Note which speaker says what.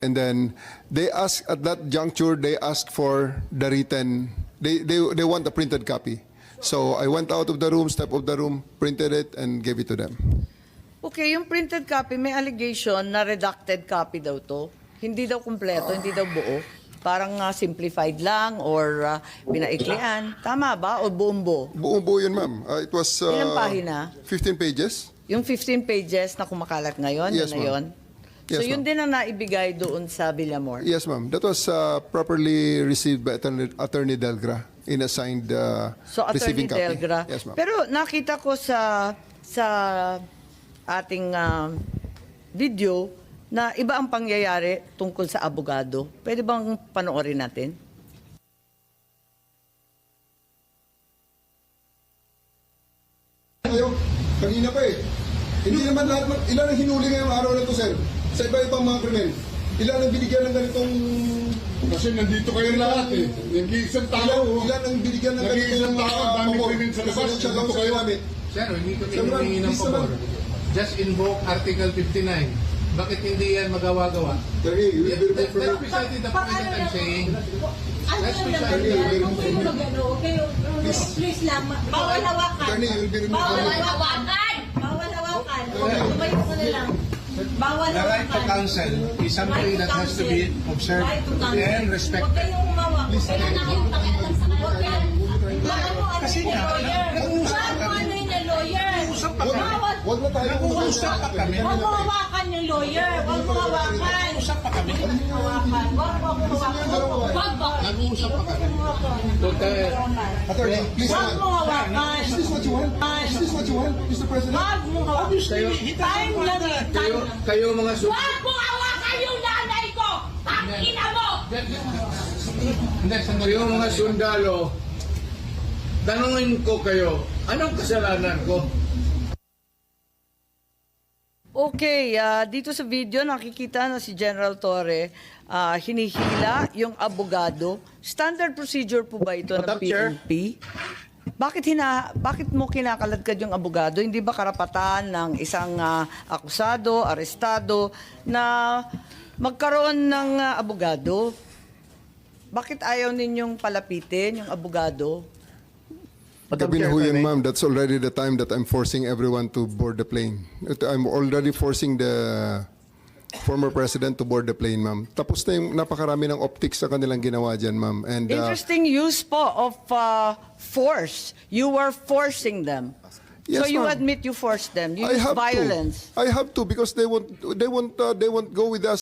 Speaker 1: And then they asked at that juncture, they asked for the written, they want a printed copy. So I went out of the room, stepped out of the room, printed it, and gave it to them.
Speaker 2: Okay, yung printed copy, may allegation na redacted copy daw to. Hindi daw kumpleto, hindi daw buo. Parang simplified lang or pinaiklian. Tama ba? O buo-buo?
Speaker 1: Buo-buo yun, ma'am. It was
Speaker 2: Ilang pahina?
Speaker 1: 15 pages.
Speaker 2: Yung 15 pages na kumakalat ngayon,
Speaker 1: Yes,
Speaker 2: yun na yun? So
Speaker 1: Yes,
Speaker 2: yun din ang naibigay doon sa Villamor?
Speaker 1: Yes, ma'am. That was properly received by Attorney Delgra in assigned
Speaker 2: So Attorney
Speaker 1: receiving copy.
Speaker 2: Delgra.
Speaker 1: Yes, ma'am.
Speaker 2: Pero nakita ko sa ating video na iba ang pangyayari tungkol sa abogado. Pwede bang panoorin natin?
Speaker 1: Kayo, kanina pa eh. Hindi naman lahat, ilan ang hinuli ngayong araw na to, sir? Sa iba-ibang mga krimen. Ilan ang binigyan ng ganitong...
Speaker 3: Kasi nandito kayo lahat eh. Nag-iisang tao.
Speaker 1: Ilan ang binigyan ng ganitong...
Speaker 3: Nag-iisang tao, dami krimen sa labas. Nandito kayo.
Speaker 4: Sir, hindi kami humingi ng pabor. Just invoke Article 59. Bakit hindi yan magawa-gawa? That's precisely the point that I'm saying. That's precisely the point.
Speaker 5: Please lang, bawal hawakan. Bawal hawakan. Bawal hawakan. Tumayo ko na lang. Bawal
Speaker 4: The right to
Speaker 5: hawakan.
Speaker 4: counsel is something that has to be observed and
Speaker 5: Huwag
Speaker 4: respected.
Speaker 5: kayong umawak. Huwag kayong pakialam sa kanya. Kasi nga, ano yung lawyer?
Speaker 1: Huwag na tayo
Speaker 4: Nag-uusap pa kami.
Speaker 5: Huwag mo hawakan yung lawyer. Huwag mo hawakan.
Speaker 4: Nag-uusap pa kami.
Speaker 5: Hawakan. Huwag mo hawakan. Huwag ba?
Speaker 4: Nag-uusap pa kami.
Speaker 1: Attorney, please.
Speaker 5: Huwag mo hawakan.
Speaker 1: Is this what you want? Is this what you want, Mr. President?
Speaker 5: Huwag mo hawakan. Time lang eh.
Speaker 4: Kayo mga
Speaker 5: Huwag mo hawakan yung nanay ko! Tangina mo!
Speaker 4: Hindi, sandali. Kayo mga sundalo, tanungin ko kayo, anong kasalanan ko?
Speaker 2: Okay, dito sa video nakikita na si General Torre hinihila yung abogado. Standard procedure po ba ito ng PNP? Bakit mo kinakaladkad yung abogado? Hindi ba karapatan ng isang akusado, arestado na magkaroon ng abogado? Bakit ayaw ninyong palapitin yung abogado?
Speaker 1: Gabi na ho yun, ma'am. That's already the time that I'm forcing everyone to board the plane. I'm already forcing the former president to board the plane, ma'am. Tapos na yung napakarami ng optics sa kanilang ginawa dyan, ma'am. And
Speaker 2: Interesting use po of force. You were forcing them.
Speaker 1: Yes,
Speaker 2: So you
Speaker 1: ma'am.
Speaker 2: admit you forced them. You
Speaker 1: I
Speaker 2: used
Speaker 1: have
Speaker 2: violence.
Speaker 1: to. I have to because they won't go with us.